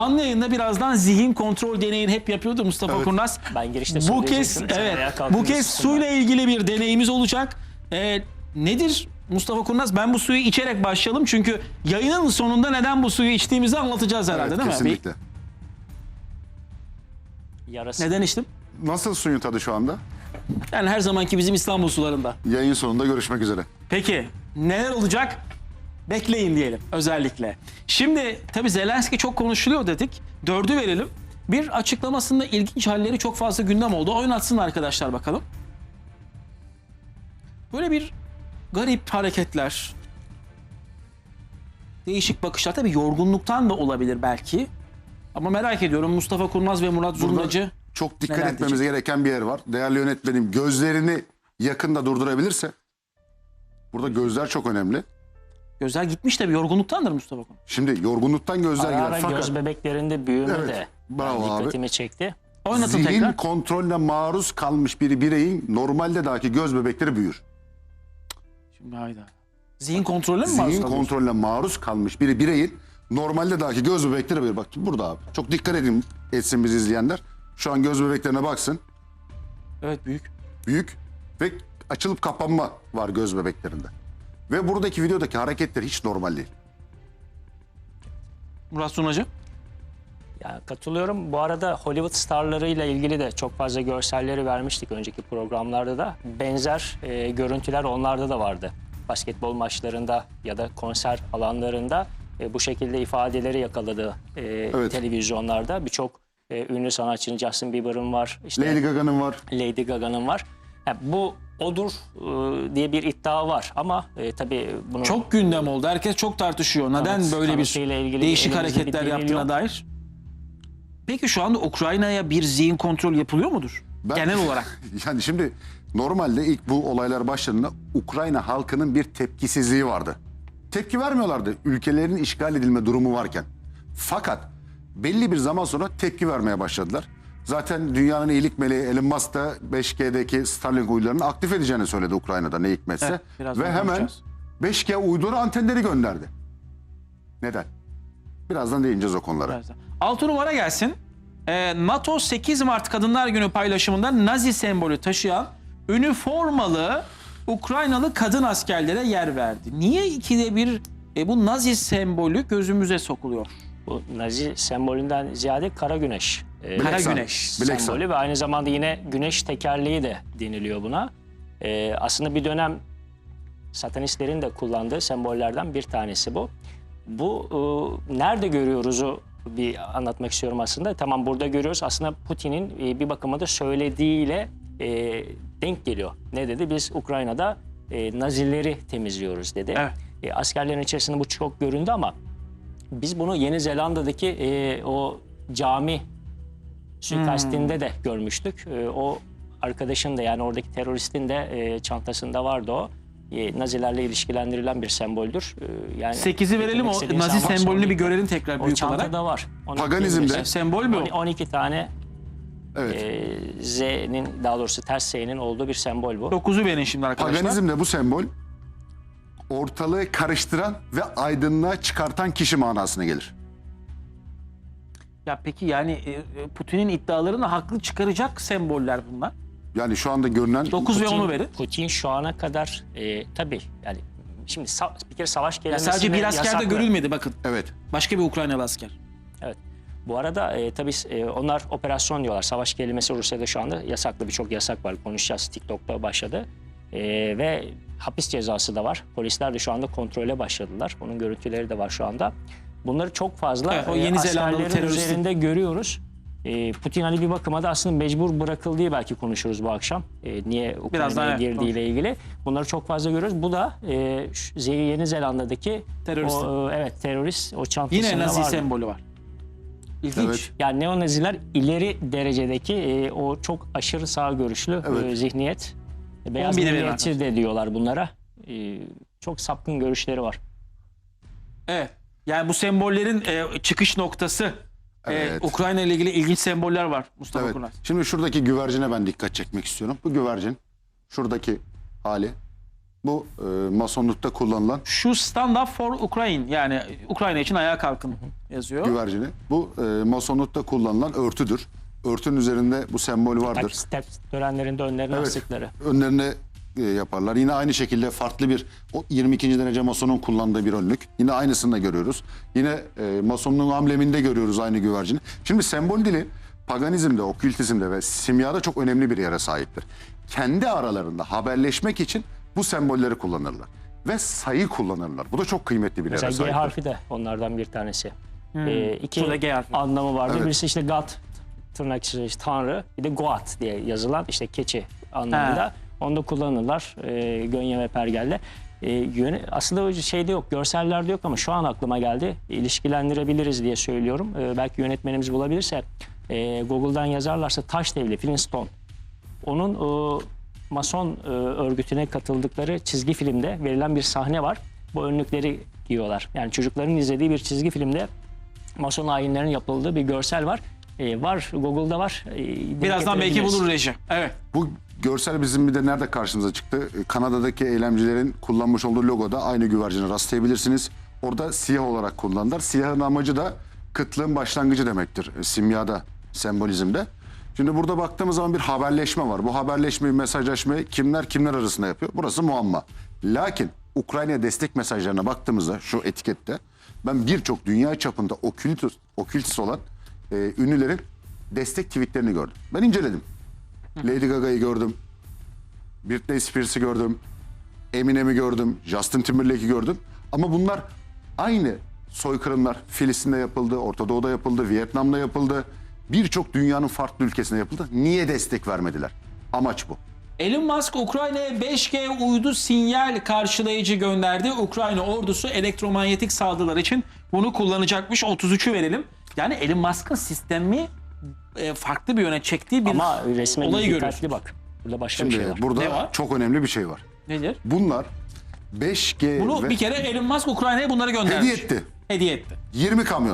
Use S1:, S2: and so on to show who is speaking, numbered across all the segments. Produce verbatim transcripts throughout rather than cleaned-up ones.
S1: Canlı yayında birazdan zihin kontrol deneyini hep yapıyordu Mustafa
S2: Evet.
S1: Kurnaz.
S3: Ben girişte
S1: Bu kez
S3: söyleyecektim. Sen ayağa
S1: evet
S3: kalktın
S1: bu kez
S3: üstünden.
S1: suyla ilgili bir deneyimiz olacak. Ee, nedir Mustafa Kurnaz? Ben bu suyu içerek başlayalım çünkü yayının sonunda neden bu suyu içtiğimizi anlatacağız herhalde,
S2: Evet,
S1: değil mi?
S2: kesinlikle.
S3: Yarası.
S1: Bir- neden içtim?
S2: Nasıl suyun tadı şu anda?
S1: Yani her zamanki bizim İstanbul sularında.
S2: Yayın sonunda görüşmek üzere.
S1: Peki neler olacak? Bekleyin diyelim özellikle. Şimdi tabii Zelenski çok konuşuluyor dedik. Dördü verelim. Bir açıklamasında ilginç halleri çok fazla gündem oldu. Oynatsın arkadaşlar bakalım. Böyle bir garip hareketler. Değişik bakışlar. Tabii yorgunluktan da olabilir belki. Ama merak ediyorum Mustafa Kurnaz ve Murat Zurnacı.
S2: Çok dikkat
S1: neler
S2: etmemiz
S1: diyecek?
S2: gereken bir yer var. Değerli yönetmenim gözlerini yakında durdurabilirse. Burada gözler çok önemli.
S1: Gözler gitmiş tabii yorgunluktandır Mustafa Kurnaz.
S2: Şimdi yorgunluktan gözler
S3: Ara
S2: gider.
S3: ara
S2: Fakat
S3: göz bebeklerinde büyüme
S2: Evet,
S3: de
S2: bravo
S3: yani
S2: abi.
S3: dikkatimi çekti.
S1: Oynatın
S2: zihin
S1: tekrar.
S2: kontrolüne maruz kalmış bir bireyin normalde dahi göz bebekleri büyür.
S1: Şimdi hayda. Zihin kontrolü mü var?
S2: Zihin kontrolüne maruz kalmış bir bireyin normalde dahi göz bebekleri büyür. Bak burada abi. Çok dikkat edin etsin bizi izleyenler. Şu an göz bebeklerine baksın.
S1: Evet, büyük.
S2: Büyük ve açılıp kapanma var göz bebeklerinde. Ve buradaki videodaki hareketler hiç normal değil.
S1: Murat Zurnacı.
S3: Ya katılıyorum. Bu arada Hollywood starlarıyla ilgili de çok fazla görselleri vermiştik önceki programlarda da. Benzer e, görüntüler onlarda da vardı. Basketbol maçlarında ya da konser alanlarında e, bu şekilde ifadeleri yakaladı e,
S2: Evet.
S3: televizyonlarda. Birçok e, ünlü sanatçının, Justin Bieber'ın var, işte
S2: Lady Gaga'nın var.
S3: Lady Gaga'nın var. Yani bu odur e, diye bir iddia var ama e, tabii bunu
S1: Çok gündem oldu. Herkes çok tartışıyor. Neden
S3: Kanıt-
S1: böyle bir
S3: kanıtıyla ilgili
S1: değişik
S3: elimizde bir
S1: hareketler
S3: delil
S1: yaptığına
S3: yok.
S1: dair. Peki şu anda Ukrayna'ya bir zihin kontrol yapılıyor mudur?
S2: Ben-
S1: Genel olarak.
S2: Yani şimdi normalde ilk bu olaylar başladığında Ukrayna halkının bir tepkisizliği vardı. Tepki vermiyorlardı ülkelerinin işgal edilme durumu varken. Fakat belli bir zaman sonra tepki vermeye başladılar. Zaten dünyanın iyilik meleği Elon Musk da beş G'deki Starlink uydularını aktif edeceğini söyledi Ukrayna'da ne hikmetse.
S1: Evet, birazdan
S2: Ve hemen
S1: konuşacağız.
S2: beş G uydu antenleri gönderdi. Neden? Birazdan değineceğiz o konulara.
S1: Birazdan. Altı numara gelsin. Ee, NATO sekiz Mart Kadınlar Günü paylaşımında Nazi sembolü taşıyan üniformalı Ukraynalı kadın askerlere yer verdi. Niye ikide bir e, bu Nazi sembolü gözümüze sokuluyor?
S3: bu Nazi sembolünden ziyade kara güneş. e,
S1: Kara
S2: Black Sun.
S1: güneş
S2: Black Sun.
S3: sembolü ve aynı zamanda yine güneş tekerleği de deniliyor buna. Ee, aslında bir dönem satanistlerin de kullandığı sembollerden bir tanesi bu. Bu e, nerede görüyoruzu bir anlatmak istiyorum aslında. Tamam, burada görüyoruz. Aslında Putin'in e, bir bakıma da söylediğiyle e, denk geliyor. Ne dedi? Biz Ukrayna'da e, Nazileri temizliyoruz dedi.
S1: Evet.
S3: E, askerlerin içerisinde bu çok göründü ama biz bunu Yeni Zelanda'daki e, o cami suikastinde de görmüştük. E, o arkadaşın da, yani oradaki teröristin de e, çantasında vardı o. E, Nazilerle ilişkilendirilen bir semboldür. E, yani
S1: sekizi verelim,
S3: getirmek
S1: o
S3: istediğim
S1: Nazi
S3: sembol-
S1: sembolünü bir görelim tekrar
S3: O
S1: büyük olarak.
S3: çantada var. Onu
S2: Paganizmde-
S3: ekleyebiliriz.
S1: Sembol mü o?
S3: on iki tane
S2: Evet.
S3: e, Z'nin, daha doğrusu ters S'nin olduğu bir sembol bu.
S1: dokuzu verin şimdi arkadaşlar.
S2: Paganizmde bu sembol ortalığı karıştıran ve aydınlığa çıkartan kişi manasına gelir.
S1: Ya peki yani e, Putin'in iddialarını haklı çıkaracak semboller bunlar.
S2: Yani şu anda görünen
S1: dokuz ve
S3: Putin-
S1: onu verin.
S3: Putin şu ana kadar e, tabii yani şimdi sa- bir kere savaş
S1: Ya
S3: kelimesi
S1: sadece bir asker de
S3: yasaklı.
S1: görülmedi bakın.
S2: evet.
S1: Başka bir Ukraynalı asker.
S3: Evet. Bu arada e, tabii e, onlar operasyon diyorlar. Savaş kelimesi Rusya'da şu anda yasaklı, birçok yasak var. Konuşacağız. TikTok'ta başladı. E, ve hapis cezası da var. Polisler de şu anda kontrole başladılar. Onun görüntüleri de var şu anda. Bunları çok fazla
S1: Evet, o
S3: e,
S1: Yeni Zelandalı
S3: askerlerin
S1: teröristin-
S3: üzerinde görüyoruz. E, Putin hani bir bakıma da aslında mecbur bırakıldığı belki konuşuruz bu akşam. E, niye
S1: Birazdan
S3: Ukrayna'ya
S1: evet,
S3: girdiğiyle ilgili. Bunları çok fazla görüyoruz. Bu da e, şu Yeni Zelanda'daki
S1: Terörist.
S3: o, e, evet terörist o çantasında
S1: Yine Nazi
S3: vardı.
S1: sembolü var. İlginç.
S2: Evet.
S3: Yani neonaziler ileri derecedeki e, o çok aşırı sağ görüşlü
S2: Evet.
S3: e, zihniyet. Beyaz
S1: on bini verin
S3: milliyetçi de diyorlar bunlara. E, çok sapkın görüşleri var.
S1: Evet. Yani bu sembollerin e, çıkış noktası. E,
S2: Evet.
S1: Ukrayna ile ilgili ilginç semboller var Mustafa
S2: Evet.
S1: Kurnaz.
S2: Şimdi şuradaki güvercine ben dikkat çekmek istiyorum. Bu güvercin şuradaki hali Bu e, masonlukta kullanılan
S1: Şu stand up for Ukraine, yani Ukrayna için ayağa kalkın yazıyor.
S2: güvercini. Bu e, masonlukta kullanılan örtüdür. Örtünün üzerinde bu sembol vardır.
S3: Tak, step törenlerinde önlerine
S2: Evet.
S3: astıkları.
S2: Önlerine e, yaparlar. Yine aynı şekilde farklı bir o yirmi ikinci derece masonun kullandığı bir önlük. Yine aynısını da görüyoruz. Yine e, masonluğun ambleminde görüyoruz aynı güvercini. Şimdi sembol dili paganizmde, okültizmde ve simyada çok önemli bir yere sahiptir. Kendi aralarında haberleşmek için bu sembolleri kullanırlar. Ve sayı kullanırlar. Bu da çok kıymetli bir yere
S3: Mesela G
S2: sahiptir.
S3: harfi de onlardan bir tanesi. Ee, iki
S1: Şurada G harfi.
S3: anlamı vardı.
S2: Evet.
S3: Birisi işte God, tırnak içinde işte Tanrı, bir de Goat diye yazılan işte keçi anlamında.
S1: Ha.
S3: Onu da kullanırlar e, Gönye ve Pergel'de. E, yöne, aslında o şeyde yok, görsellerde yok ama şu an aklıma geldi. İlişkilendirebiliriz diye söylüyorum. E, belki yönetmenimiz bulabilirse e, Google'dan yazarlarsa Taş Devli, Flintstone. Onun o, Mason e, örgütüne katıldıkları çizgi filmde verilen bir sahne var. Bu önlükleri giyiyorlar. Yani çocukların izlediği bir çizgi filmde Mason ayinlerinin yapıldığı bir görsel var. E, var, Google'da var. E, denk
S1: Birazdan belki
S3: getirebiliriz.
S1: bulur reji. Evet.
S2: Bu görsel bizim bir de nerede karşımıza çıktı? Kanada'daki eylemcilerin kullanmış olduğu logoda aynı güvercine rastlayabilirsiniz. Orada siyah olarak kullanırlar. Siyahın amacı da kıtlığın başlangıcı demektir simyada, sembolizmde. Şimdi burada baktığımız zaman bir haberleşme var. Bu haberleşmeyi, mesajlaşmayı kimler kimler arasında yapıyor? Burası muamma. Lakin Ukrayna'ya destek mesajlarına baktığımızda şu etikette ben birçok dünya çapında okültist, okültist olan e, ünlülerin destek tweetlerini gördüm. Ben inceledim. Lady Gaga'yı gördüm. Britney Spears'ı gördüm. Eminem'i gördüm. Justin Timberlake'i gördüm. Ama bunlar aynı soykırımlar Filistin'de yapıldı, Orta Doğu'da yapıldı, Vietnam'da yapıldı. Birçok dünyanın farklı ülkesinde yapıldı. Niye destek vermediler? Amaç bu.
S1: Elon Musk Ukrayna'ya beş G uydu sinyal karşılayıcı gönderdi. Ukrayna ordusu elektromanyetik saldırılar için bunu kullanacakmış. otuz üçü verelim. Yani Elon Musk'ın sistemi e, farklı bir yöne çektiği bir
S3: Ama resmen
S1: olayı
S3: dikkatli
S1: görüyoruz.
S3: bak. Burada başka bir
S2: Şimdi
S3: şey var.
S2: burada
S1: Ne var?
S2: çok önemli bir şey var.
S1: Nedir?
S2: Bunlar beş G
S1: Bunu
S2: ve
S1: bir kere Elon Musk Ukrayna'ya bunları göndermiş.
S2: hediye etti.
S1: Hediye etti.
S2: yirmi kamyon.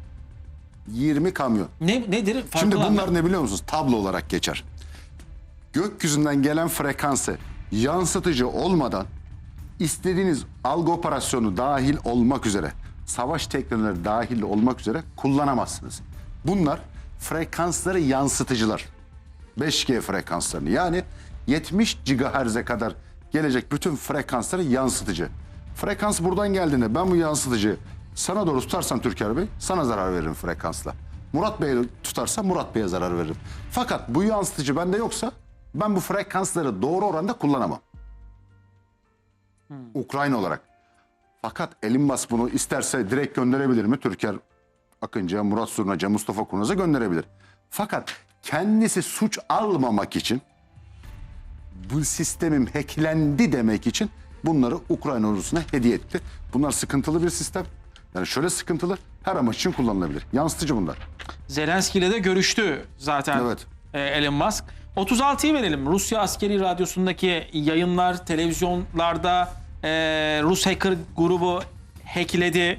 S2: yirmi kamyon.
S1: Ne, nedir? Farklı
S2: Şimdi
S1: olan
S2: bunlar ne biliyor musunuz? Tablo olarak geçer. Gökyüzünden gelen frekansı yansıtıcı olmadan istediğiniz algı operasyonu dahil olmak üzere, savaş teknolojileri dahil olmak üzere kullanamazsınız. Bunlar frekansları yansıtıcılar. beş G frekanslarını, yani yetmiş gigahertz'e kadar gelecek bütün frekansları yansıtıcı. Frekans buradan geldiğinde ben bu yansıtıcıyı sana doğru tutarsam Türker Bey, sana zarar veririm frekansla. Murat Bey'e tutarsam Murat Bey'e zarar veririm. Fakat bu yansıtıcı bende yoksa ben bu frekansları doğru oranda kullanamam. Ukrayna olarak. Fakat Elon Musk bunu isterse direkt gönderebilir mi? Türker Akıncı'ya, Murat Surnacı'ya, Mustafa Kurnaz'a gönderebilir. Fakat kendisi suç almamak için, bu sistemim hacklendi demek için bunları Ukrayna ordusuna hediye etti. Bunlar sıkıntılı bir sistem. Yani şöyle sıkıntılı, her amaç için kullanılabilir. Yansıtıcı bunlar.
S1: Zelenski ile de görüştü zaten
S2: Evet.
S1: e, Elon Musk. otuz altıyı verelim. Rusya askeri radyosundaki yayınlar, televizyonlarda e, Rus hacker grubu hackledi.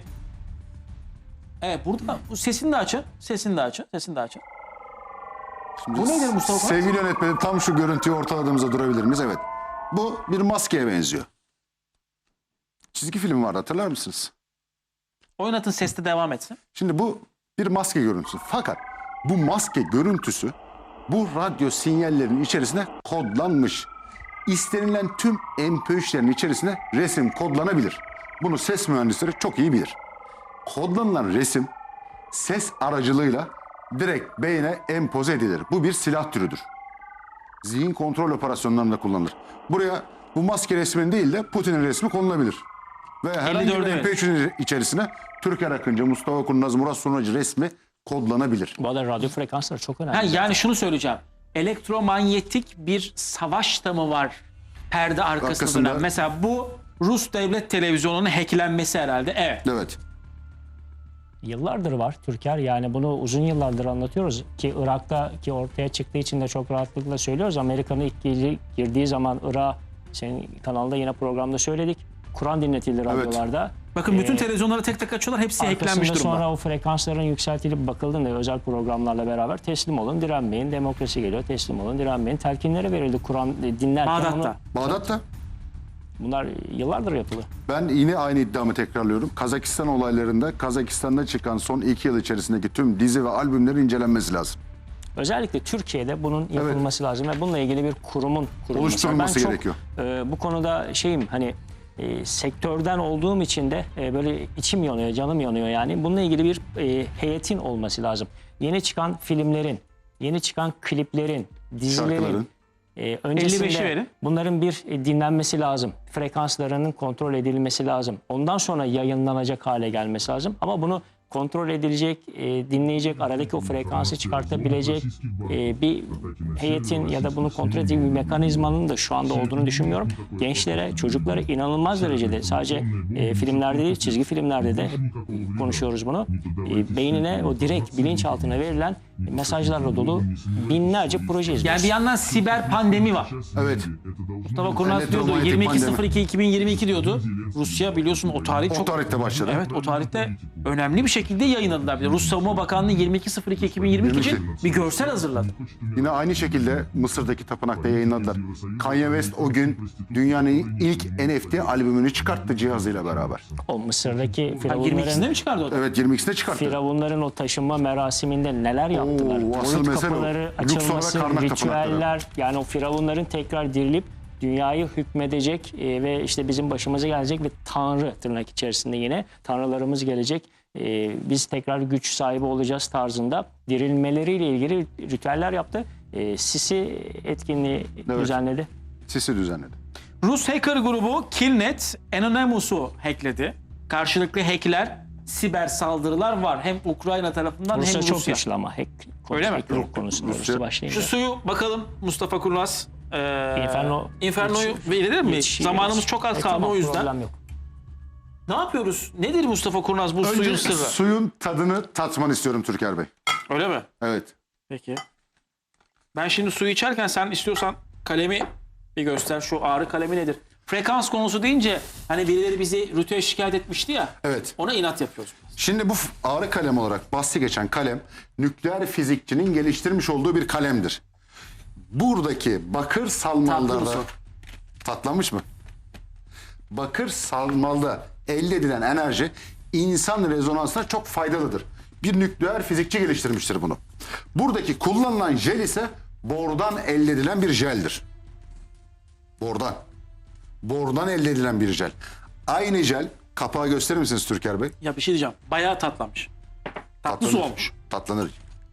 S1: Evet, burada bu sesini de açın. Sesini de açın. Sesini de açın.
S2: Şimdi
S1: Bu nedir Mustafa?
S2: Sevgili yönetmenim, tam şu görüntüyü ortaladığımızda durabilir miyiz? Evet. Bu bir maskeye benziyor. Çizgi film vardı, hatırlar mısınız?
S1: Oynatın, sesle devam etsin.
S2: Şimdi bu bir maske görüntüsü. Fakat bu maske görüntüsü bu radyo sinyallerinin içerisine kodlanmış. İstenilen tüm M P üçlerin içerisine resim kodlanabilir. Bunu ses mühendisleri çok iyi bilir. Kodlanılan resim ses aracılığıyla direkt beyne empoze edilir. Bu bir silah türüdür. Zihin kontrol operasyonlarında kullanılır. Buraya bu maske resminin değil de Putin'in resmi konulabilir. Ve herhangi bir
S1: elli dörde
S2: M P üçün içerisine Türker Akıncı, Mustafa Kurnaz, Murat Surnacı resmi kodlanabilir.
S3: Bu arada radyo frekansları çok önemli.
S1: Ha, yani şunu söyleyeceğim. Elektromanyetik bir savaş da mı var perde arkasında?
S2: Arkasında-
S1: dönen? Mesela bu Rus devlet televizyonunun hacklenmesi herhalde. Evet.
S2: Evet.
S3: Yıllardır var Türker, yani bunu uzun yıllardır anlatıyoruz ki Irak'ta ki ortaya çıktığı için de çok rahatlıkla söylüyoruz. Amerika'nın ilk gir- girdiği zaman Irak, senin kanalda yine programda söyledik, Kur'an dinletildi radyolarda.
S1: Bakın bütün
S3: Ee,
S1: televizyonları tek tek açıyorlar. Hepsi
S3: Arkasında
S1: hacklenmiş durumda.
S3: sonra o frekansların yükseltilip bakıldığında özel programlarla beraber teslim olun, direnmeyin, demokrasi geliyor, teslim olun, direnmeyin. Telkinleri verildi Kur'an dinlerken.
S1: Bağdat'ta.
S3: onu-
S2: Bağdat'ta
S3: Bunlar yıllardır yapılıyor.
S2: Ben yine aynı iddiamı tekrarlıyorum. Kazakistan olaylarında Kazakistan'da çıkan son iki yıl içerisindeki tüm dizi ve albümlerin incelenmesi lazım.
S3: Özellikle Türkiye'de bunun yapılması lazım ve bununla ilgili bir kurumun kurulması.
S2: Oluşturulması
S3: ben çok,
S2: gerekiyor.
S3: e, bu konuda şeyim hani e, sektörden olduğum için de e, böyle içim yanıyor, canım yanıyor yani. Bununla ilgili bir e, heyetin olması lazım. Yeni çıkan filmlerin, yeni çıkan kliplerin, dizilerin
S2: Şarkıların.
S3: e,
S1: elli beşi
S3: öncesinde
S1: verin.
S3: bunların bir e, dinlenmesi lazım. Frekanslarının kontrol edilmesi lazım. Ondan sonra yayınlanacak hale gelmesi lazım. Ama bunu kontrol edilecek, e, dinleyecek, aradaki o frekansı çıkartabilecek e, bir heyetin ya da bunu kontrol edecek bir mekanizmanın da şu anda olduğunu düşünmüyorum. Gençlere, çocuklara inanılmaz derecede sadece e, filmlerde değil, çizgi filmlerde de hep konuşuyoruz bunu. E, beynine o direkt bilinçaltına verilen mesajlarla dolu binlerce proje
S1: Yani
S3: izliyoruz.
S1: bir yandan siber pandemi var.
S2: Evet.
S1: Mustafa Kurnaz diyordu
S2: Elektromanyetik
S1: yirmi iki
S2: pandemi.
S1: Ekim iki bin yirmi iki diyordu. Rusya biliyorsun o tarih
S2: O
S1: çok...
S2: tarihte başladı.
S1: Evet o tarihte önemli bir şekilde yayınladılar. Bir de Rus Savunma Bakanlığı yirmi iki Ekim iki bin yirmi iki için bir görsel hazırladı.
S2: Yine aynı şekilde Mısır'daki tapınakta yayınladılar. Kanye West o gün dünyanın ilk N F T albümünü çıkarttı cihazıyla beraber.
S3: O Mısır'daki
S1: Ha, yirmi
S3: firavunların,
S1: ikisinde mi çıkardı o da?
S2: Evet yirmi ikisinde çıkarttı.
S3: firavunların o taşınma merasiminde neler yaptılar?
S2: Oo, asıl
S3: Boyut
S2: mesele o.
S3: kapıları
S2: Luxor ve
S3: açılması,
S2: Karnak
S3: ritüeller, yani o firavunların tekrar dirilip dünyayı hükmedecek e, ve işte bizim başımıza gelecek ve tanrı tırnak içerisinde yine tanrılarımız gelecek. E, biz tekrar güç sahibi olacağız tarzında dirilmeleriyle ilgili ritüeller yaptı. E, Sisi etkinliği
S2: Evet.
S3: düzenledi.
S2: Sisi düzenledi.
S1: Rus hacker grubu Killnet Anonymous'u hackledi. Karşılıklı hackler, siber saldırılar var. Hem Ukrayna tarafından
S3: Rusya
S1: hem
S3: çok
S1: Rusya.
S3: güçlü ama hack
S1: Öyle mi?
S3: hackling konusunda
S2: Rusya-
S3: Rusya başlayınca.
S1: Şu suyu bakalım Mustafa Kurnaz. Ee,
S3: Inferno-
S1: Inferno'yu
S3: Yetiş-
S1: verilir mi?
S3: Yetiş-
S1: Zamanımız çok az
S3: E,
S1: kaldı
S3: tamam,
S1: o yüzden.
S3: problem yok.
S1: Ne yapıyoruz? Nedir Mustafa Kurnaz bu suyun
S2: Önce
S1: sırrı?
S2: suyun tadını tatman istiyorum Türker Bey.
S1: Öyle mi?
S2: Evet.
S1: Peki. Ben şimdi suyu içerken sen istiyorsan kalemi bir göster. Şu ağrı kalemi nedir? Frekans konusu deyince hani birileri bizi rütüye şikayet etmişti ya.
S2: Evet.
S1: Ona inat yapıyoruz.
S2: Şimdi bu f- ağrı kalem olarak bahsi geçen kalem nükleer fizikçinin geliştirmiş olduğu bir kalemdir. Buradaki bakır
S1: Tatlı
S2: salmallarda...
S1: mı su?
S2: Tatlanmış mı? Bakır salmalda elde edilen enerji insan rezonansına çok faydalıdır. Bir nükleer fizikçi geliştirmiştir bunu. Buradaki kullanılan jel ise bordan elde edilen bir jeldir. Bordan. Bordan elde edilen bir jel. Aynı jel, kapağı gösterir misiniz Türker Bey?
S1: Ya bir şey diyeceğim. Bayağı tatlanmış. Tatlı su
S2: Tatlanır.
S1: olmuş.
S2: Tatlanır.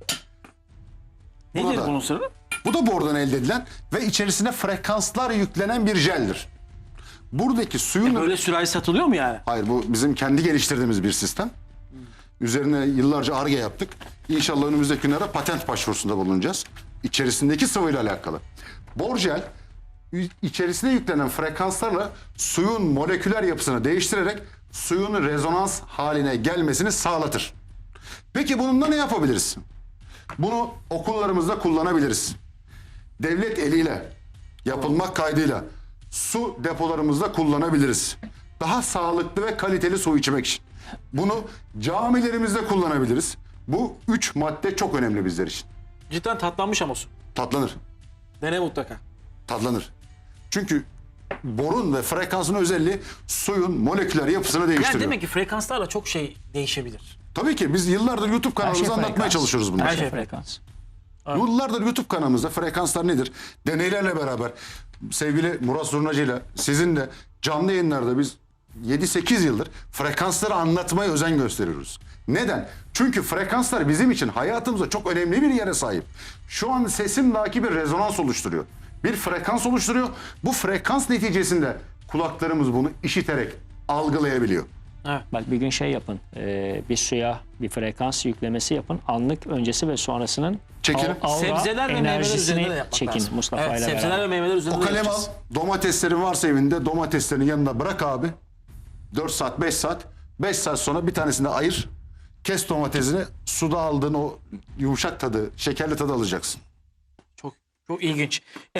S1: Nedir
S2: da-
S1: bunun sırrı?
S2: Bu da bordan elde edilen ve içerisine frekanslar yüklenen bir jeldir. Buradaki suyun...
S1: Böyle sürahi satılıyor mu yani?
S2: Hayır, bu bizim kendi geliştirdiğimiz bir sistem. Üzerine yıllarca Ar-Ge yaptık. İnşallah önümüzdeki günlerde patent başvurusunda bulunacağız. İçerisindeki sıvıyla alakalı. Borjel ü- içerisine yüklenen frekanslarla suyun moleküler yapısını değiştirerek suyun rezonans haline gelmesini sağlatır. Peki bununla ne yapabiliriz? Bunu okullarımızda kullanabiliriz. Devlet eliyle yapılmak kaydıyla su depolarımızda kullanabiliriz. Daha sağlıklı ve kaliteli su içmek için. Bunu camilerimizde kullanabiliriz. Bu üç madde çok önemli bizler için.
S1: Cidden tatlanmış ama su.
S2: Tatlanır,
S1: Dene mutlaka.
S2: tatlanır. Çünkü borun ve frekansın özelliği suyun moleküler yapısını
S1: Yani
S2: değiştiriyor.
S1: demek ki frekanslarla çok şey değişebilir.
S2: Tabii ki biz yıllardır YouTube kanalımızda
S3: şey
S2: anlatmaya
S3: frekans.
S2: çalışıyoruz bunları.
S1: Her şey
S3: Frekans.
S2: Yıllardır YouTube kanalımızda frekanslar nedir? Deneylerle beraber sevgili Murat Zurnacı ile sizin de canlı yayınlarda biz yedi sekiz yıldır frekansları anlatmaya özen gösteriyoruz. Neden? Çünkü frekanslar bizim için hayatımızda çok önemli bir yere sahip. Şu an sesimdaki bir rezonans oluşturuyor. Bir frekans oluşturuyor. Bu frekans neticesinde kulaklarımız bunu işiterek algılayabiliyor.
S3: Bak bir gün şey yapın, e, bir suya bir frekans yüklemesi yapın. Anlık öncesi ve sonrasının
S2: Çekin.
S3: al- aura
S1: Sebzeler ve meyveler
S3: enerjisini
S1: üzerinde de yapmak
S3: çekin
S1: lazım.
S3: Mustafa
S1: Evet,
S3: ile
S1: sebzeler
S3: beraber.
S1: ve meyveler üzerinde
S2: O
S1: de
S2: kalem al,
S1: yapacağız.
S2: domateslerin varsa evinde domateslerin yanına bırak abi. dört saat, beş saat. beş saat sonra bir tanesini de ayır. Kes domatesini, suda aldığın o yumuşak tadı, şekerli tadı alacaksın.
S1: Çok, çok ilginç.